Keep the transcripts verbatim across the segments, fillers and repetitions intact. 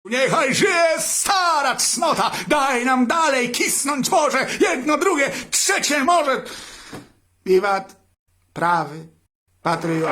Niechaj żyje stara cnota, daj nam dalej kisnąć może, jedno, drugie, trzecie może. Wiwat prawy patriot.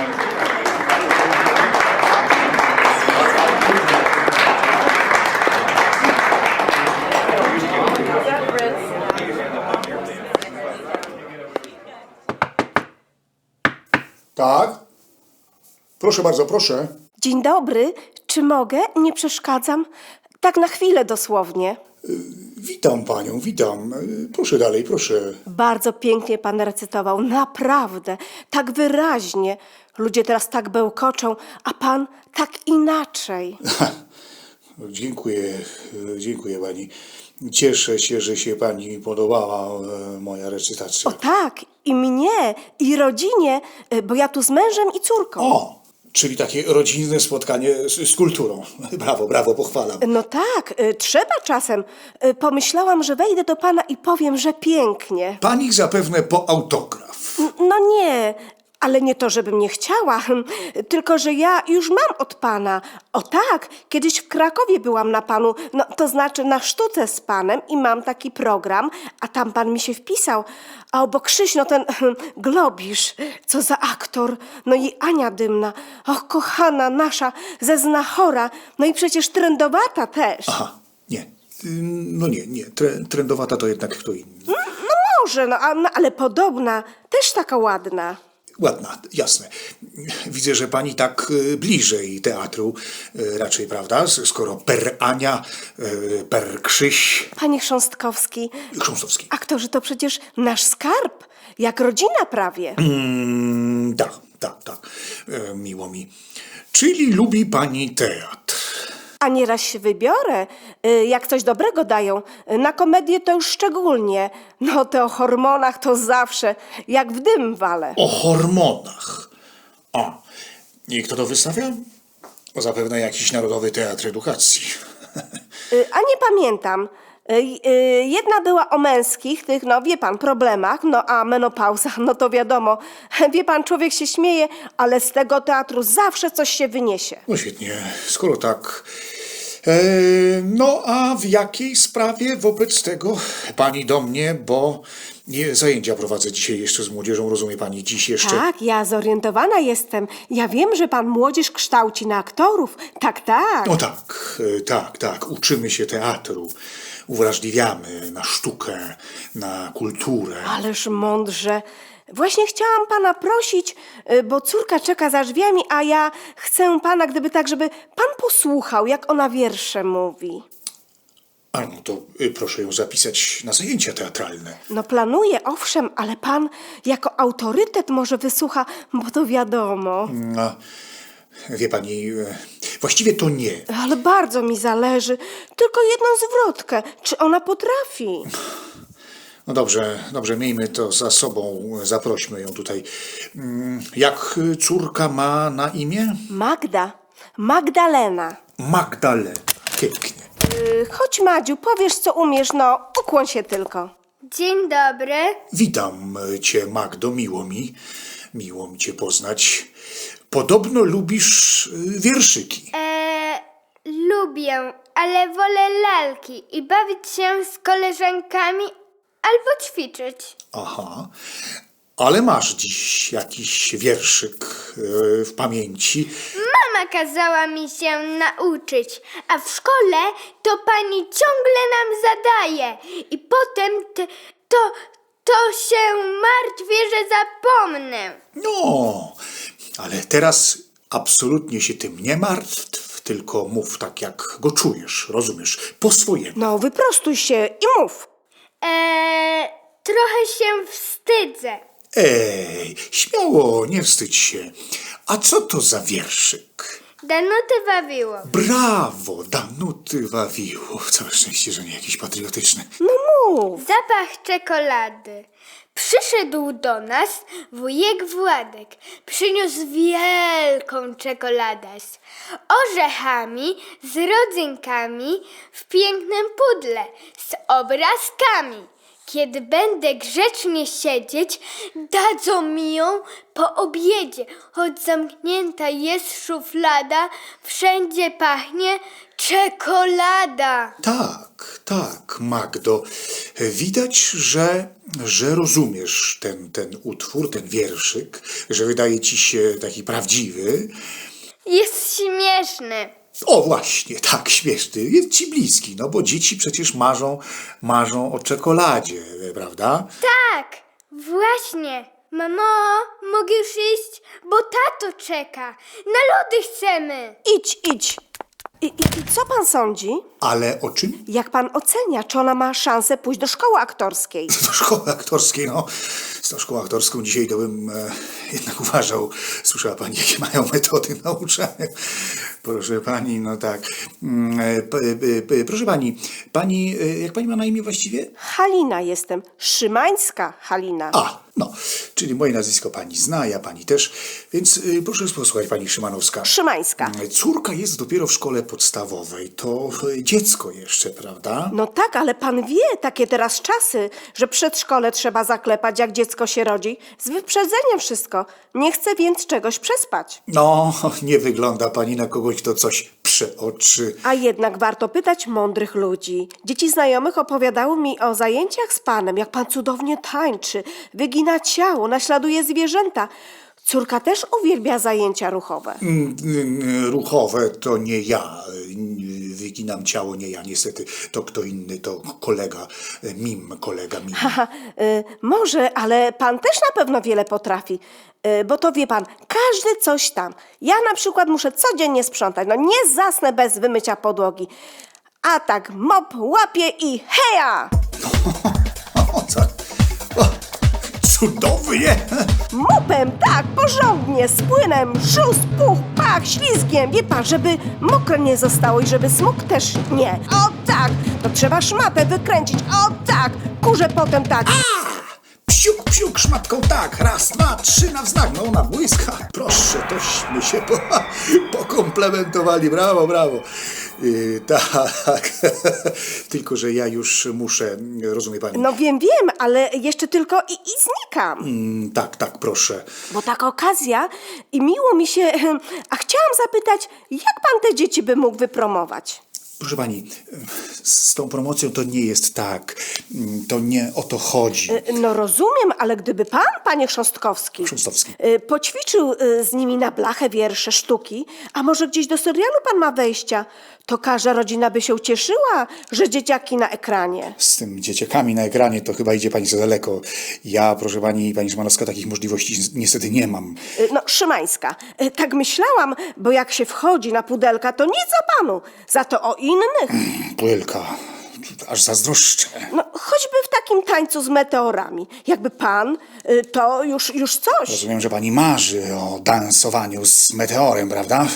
Tak? Proszę bardzo, proszę. Dzień dobry, czy mogę? Nie przeszkadzam? Tak na chwilę dosłownie. Witam panią, witam. Proszę dalej, proszę. Bardzo pięknie pan recytował, naprawdę, tak wyraźnie. Ludzie teraz tak bełkoczą, a pan tak inaczej. Dziękuję, dziękuję pani. Cieszę się, że się pani podobała e, moja recytacja. O tak, i mnie, i rodzinie, y, bo ja tu z mężem i córką. O, czyli takie rodzinne spotkanie z, z kulturą. Brawo, brawo, pochwalam. No tak, y, trzeba czasem. Y, Pomyślałam, że wejdę do pana i powiem, że pięknie. Pani zapewne po autograf. N- No nie, ale nie to, żebym nie chciała, tylko że ja już mam od pana. O tak, kiedyś w Krakowie byłam na panu, no to znaczy na sztuce z panem i mam taki program, a tam pan mi się wpisał. A obok Krzyś, no ten Globisz, co za aktor, no i Ania Dymna, och kochana nasza, ze Znachora, no i przecież trendowata też. Aha, nie. Ym, No nie, nie. Tre, trendowata to jednak kto inny. No może, no, a- no ale podobna, też taka ładna. Ładna, jasne. Widzę, że pani tak y, bliżej teatru y, raczej, prawda? S- Skoro per Ania, y, per Krzyś, Panie Chrząstkowski, Chrząstowski. aktorzy to przecież nasz skarb, jak rodzina prawie. Mm, tak, tak, tak. E, miło mi. Czyli lubi pani teatr. A nieraz się wybiorę, y, jak coś dobrego dają. Y, Na komedię to już szczególnie. No te o hormonach to zawsze, jak w dym wale. O hormonach. O, i kto to wystawia? O, zapewne jakiś Narodowy Teatr Edukacji. Y, A nie pamiętam. Y, y, Jedna była o męskich, tych, no wie pan, problemach, no a menopauza, no to wiadomo. Wie pan, człowiek się śmieje, ale z tego teatru zawsze coś się wyniesie. No świetnie, skoro tak. E, no a w jakiej sprawie wobec tego pani do mnie, bo nie, zajęcia prowadzę dzisiaj jeszcze z młodzieżą, rozumie pani, dziś jeszcze. Tak, ja zorientowana jestem. Ja wiem, że pan młodzież kształci na aktorów. Tak, tak. No tak, e, tak, tak, uczymy się teatru, uwrażliwiamy na sztukę, na kulturę. Ależ mądrze. Właśnie chciałam pana prosić, y, bo córka czeka za drzwiami, a ja chcę pana, gdyby tak, żeby pan posłuchał, jak ona wiersze mówi. A no to y, proszę ją zapisać na zajęcia teatralne. No planuję, owszem, ale pan jako autorytet może wysłucha, bo to wiadomo. No, wie pani, e, właściwie to nie. Ale bardzo mi zależy. Tylko jedną zwrotkę. Czy ona potrafi? No dobrze, dobrze, miejmy to za sobą, zaprośmy ją tutaj. Mm, Jak y, córka ma na imię? Magda. Magdalena. Magdalena. Pięknie. Y, Chodź, Madziu, powiesz, co umiesz, no, ukłoń się tylko. Dzień dobry. Witam cię, Magdo, miło mi. Miło mi cię poznać. Podobno lubisz y, wierszyki. Eee, lubię, ale wolę lalki i bawić się z koleżankami albo ćwiczyć. Aha. Ale masz dziś jakiś wierszyk y, w pamięci. Mama kazała mi się nauczyć, a w szkole to pani ciągle nam zadaje i potem te, to, to się martwię, że zapomnę. No, ale teraz absolutnie się tym nie martw, tylko mów tak, jak go czujesz, rozumiesz, po swojemu. No, wyprostuj się i mów. Eee, trochę się wstydzę. Ej, śmiało, nie wstydź się. A co to za wierszyk? Danuty Wawiło. Brawo, Danuty Wawiło. Całe szczęście, że nie jakiś patriotyczny. No mów. Zapach czekolady. Przyszedł do nas wujek Władek. Przyniósł wielką czekoladę z orzechami, z rodzynkami, w pięknym pudle, z obrazkami. Kiedy będę grzecznie siedzieć, dadzą mi ją po obiedzie. Choć zamknięta jest szuflada, wszędzie pachnie czekolada. Tak, tak, Magdo. Widać, że, że rozumiesz ten, ten utwór, ten wierszyk, że wydaje ci się taki prawdziwy. Jest śmieszny. O właśnie, tak, śmieszny. Jest ci bliski, no bo dzieci przecież marzą, marzą o czekoladzie, prawda? Tak, właśnie. Mamo, mogę już iść, bo tato czeka. Na lody chcemy. Idź, idź. I, i, I co pan sądzi? Ale o czym? Jak pan ocenia, czy ona ma szansę pójść do szkoły aktorskiej? Do szkoły aktorskiej, no. Z tą szkołą aktorską dzisiaj to bym e, jednak uważał. Słyszała pani, jakie mają metody nauczania. Proszę pani, no tak. Mm, e, p, p, p, proszę pani, pani, e, jak pani ma na imię właściwie? Halina jestem. Szymańska Halina. A, no, czyli moje nazwisko pani zna, ja pani też, więc y, proszę posłuchać, pani Szymanowska. Szymańska. Córka jest dopiero w szkole podstawowej, to y, dziecko jeszcze, prawda? No tak, ale pan wie, takie teraz czasy, że przedszkole trzeba zaklepać, jak dziecko się rodzi. Z wyprzedzeniem wszystko. Nie chcę więc czegoś przespać. No, nie wygląda pani na kogoś, kto coś przeoczy. A jednak warto pytać mądrych ludzi. Dzieci znajomych opowiadały mi o zajęciach z panem, jak pan cudownie tańczy, wygina ciało, naśladuje zwierzęta. Córka też uwielbia zajęcia ruchowe. Mm, y, Ruchowe to nie ja, y, wyginam ciało, nie ja, niestety, to kto inny, to kolega, y, mim, kolega mim. Haha, y, może, ale pan też na pewno wiele potrafi. Y, bo to wie pan, każdy coś tam. Ja na przykład muszę codziennie sprzątać. No nie zasnę bez wymycia podłogi. A tak mop łapie i heja! O, co? O, cudownie! Mopem, tak, porządnie, z płynem, szóst, puch, pach, ślizgiem. Wie pan, żeby mokre nie zostało i żeby smok też nie. O tak, to trzeba szmatę wykręcić. O tak, kurze potem tak. Psiuk, psiuk, szmatką, tak, raz, dwa, trzy na wznak, no na błyska. Proszę, tośmy się po, pokomplementowali, brawo, brawo. Yy, tak, tylko że ja już muszę, rozumie pani? No wiem, wiem, ale jeszcze tylko i, i znikam. Mm, tak, tak, proszę. Bo taka okazja i miło mi się... A chciałam zapytać, jak pan te dzieci by mógł wypromować? Proszę pani, z tą promocją to nie jest tak, to nie o to chodzi. No rozumiem, ale gdyby pan, panie Chrząstkowski, Chrząstowski. y, poćwiczył y, z nimi na blachę wiersze, sztuki, a może gdzieś do serialu pan ma wejścia, to każda rodzina by się ucieszyła, że dzieciaki na ekranie. Z tym dzieciakami na ekranie to chyba idzie pani za daleko. Ja, proszę pani, pani Szymanowska, takich możliwości niestety nie mam. Y, No, Szymańska, y, tak myślałam, bo jak się wchodzi na pudelka, to nic o panu, za to o innych. Płylka, aż zazdroszczę. No, choćby w takim tańcu z meteorami. Jakby pan, y, to już, już coś. Rozumiem, że pani marzy o dansowaniu z meteorem, prawda?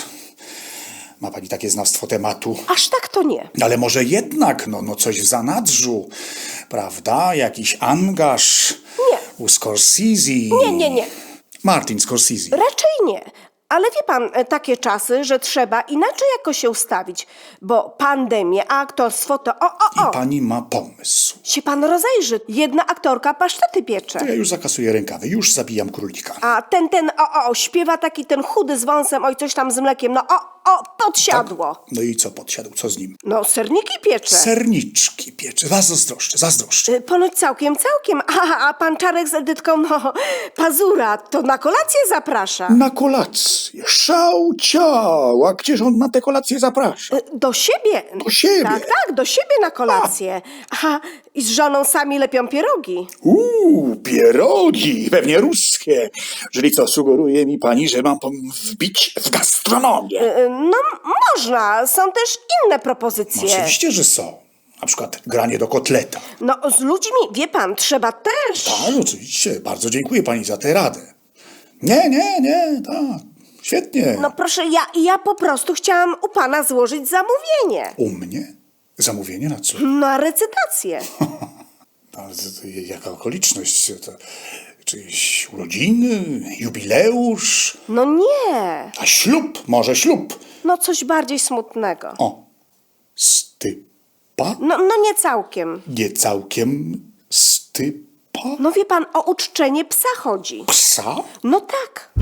Ma pani takie znawstwo tematu. Aż tak to nie. Ale może jednak, no, no coś w zanadrzu, prawda? Jakiś angaż Nie. u Scorsese. Nie, nie, nie. Martin Scorsese. Raczej nie. Ale wie pan, e, takie czasy, że trzeba inaczej jakoś się ustawić, bo pandemie, a aktorstwo to o, o, o. I pani ma pomysł. Się pan rozejrzy. Jedna aktorka pasztety piecze. To ja już zakasuję rękawy, już zabijam królika. A ten, ten, o, o, śpiewa taki ten chudy z wąsem, oj, coś tam z mlekiem, no o, o, podsiadło. No i co podsiadł, co z nim? No, serniki piecze. Serniczki piecze, was zazdroszczę, zazdroszczę. Y, Ponoć całkiem, całkiem. A, a pan Czarek z Edytką, no, Pazura, to na kolację zaprasza. Na kolację, szał ciał, a gdzież on na tę kolację zaprasza? Y, Do siebie. Do siebie? Tak, tak, do siebie na kolację. Aha, i z żoną sami lepią pierogi. Uuu, pierogi, pewnie ruskie. Czyli co, sugeruje mi pani, że mam pom- wbić w gastronomię? Y, No, można. Są też inne propozycje. Oczywiście, że są. Na przykład granie do kotleta. No, z ludźmi, wie pan, trzeba też. Tak, oczywiście. Bardzo dziękuję pani za tę radę. Nie, nie, nie, tak. Świetnie. No proszę, ja, ja po prostu chciałam u pana złożyć zamówienie. U mnie? Zamówienie na co? Na recytację. Ale to, to, jaka okoliczność? To, czyjeś urodziny? Jubileusz? No nie. A ślub? Może ślub? No coś bardziej smutnego. O, stypa? No, no nie całkiem. Nie całkiem stypa. stypa? No wie pan, o uczczenie psa chodzi. Psa? No tak.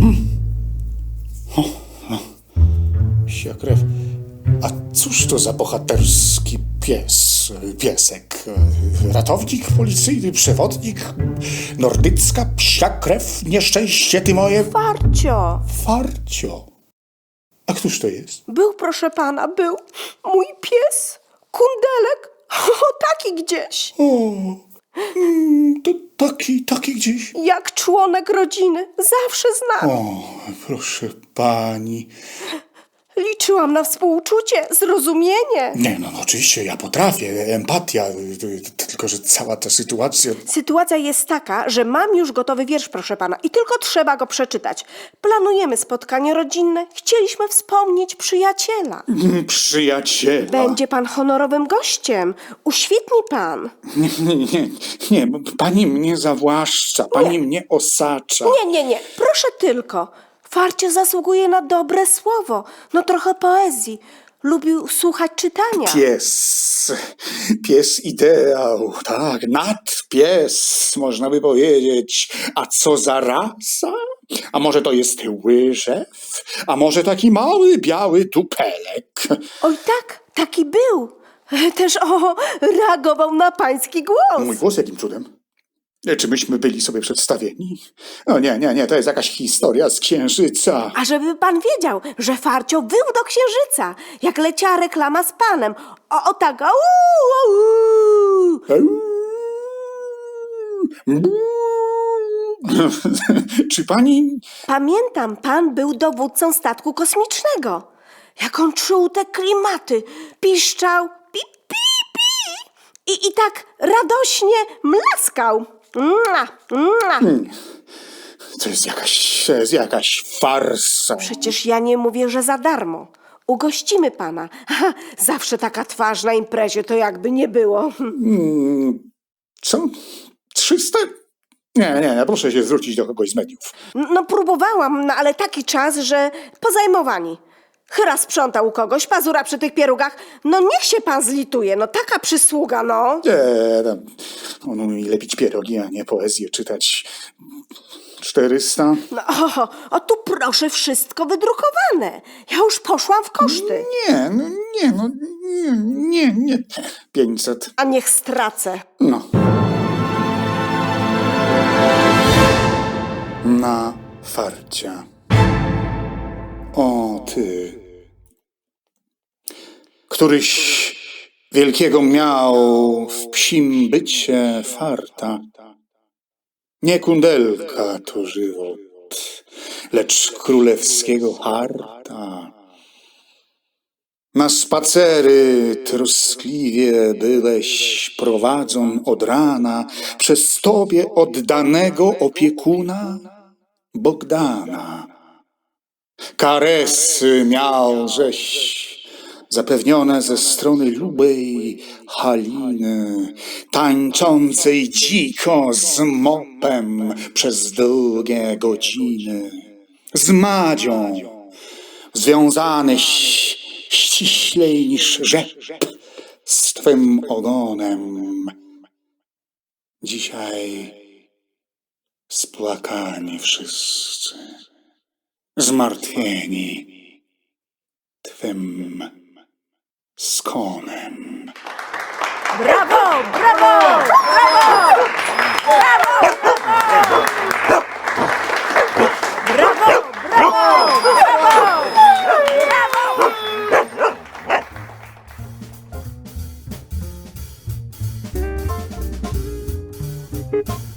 Psia krew. A cóż to za bohaterski pies? Piesek? Ratownik policyjny, przewodnik? Nordycka psia krew? Nieszczęście ty moje? Farcio. Farcio. A któż to jest? Był, proszę pana, był mój pies. Kundelek. O, taki gdzieś. O, mm, to taki, taki gdzieś. Jak członek rodziny. Zawsze z nami. O, proszę pani. Liczyłam na współczucie, zrozumienie. Nie, no, no oczywiście, ja potrafię, empatia, y, y, tylko że cała ta sytuacja... Sytuacja jest taka, że mam już gotowy wiersz, proszę pana, i tylko trzeba go przeczytać. Planujemy spotkanie rodzinne. Chcieliśmy wspomnieć przyjaciela. Przyjaciela. Będzie pan honorowym gościem. Uświetni pan. Nie, nie, nie, nie, bo pani mnie zawłaszcza, pani mnie osacza. Nie, nie, nie. Proszę tylko. Farcio zasługuje na dobre słowo. No trochę poezji. Lubił słuchać czytania. Pies, pies ideał, tak, nadpies, można by powiedzieć. A co za rasa? A może to jest łyżew? A może taki mały, biały tupelek? Oj tak, taki był. Też o, reagował na pański głos. Mój głos jakim cudem? Czy myśmy byli sobie przedstawieni? O nie, nie, nie, to jest jakaś historia z Księżyca. A żeby pan wiedział, że Farcio wył do Księżyca, jak leciała reklama z panem. O, o tak, au, au. Czy pani... Pamiętam, pan był dowódcą statku kosmicznego. Jak on czuł te klimaty. Piszczał, pi, pi, pi. I, i tak radośnie mlaskał. Mua, mua. To jest jakaś, to jest jakaś farsa. Przecież ja nie mówię, że za darmo. Ugościmy pana. Aha, zawsze taka twarz na imprezie, to jakby nie było. Co? Trzysta? Nie, nie, nie, proszę się zwrócić do kogoś z mediów. No próbowałam, no ale taki czas, że pozajmowani. Chyra sprzątał u kogoś, pazura przy tych pierugach. No niech się pan zlituje, no taka przysługa, no. Nie, tam, on umie lepić pierogi, a nie poezję czytać. czterysta? No o, o tu proszę, wszystko wydrukowane. Ja już poszłam w koszty. Nie, no nie, no nie, nie, nie. pięćset. A niech stracę. No. Na farcia. O ty, któryś wielkiego miał w psim bycie farta. Nie kundelka to żywot, lecz królewskiego harta. Na spacery troskliwie byłeś prowadzon od rana przez tobie oddanego opiekuna Bogdana. Karesy miałżeś zapewnione ze strony lubej Haliny, tańczącej dziko z mopem przez długie godziny. Z Madzią związanyś ściślej niż rzep z twym ogonem. Dzisiaj spłakani wszyscy, zmartwieni twym skonem. Brawo, brawo, brawo! Brawo, brawo! Brawo, brawo, brawo! Brawo!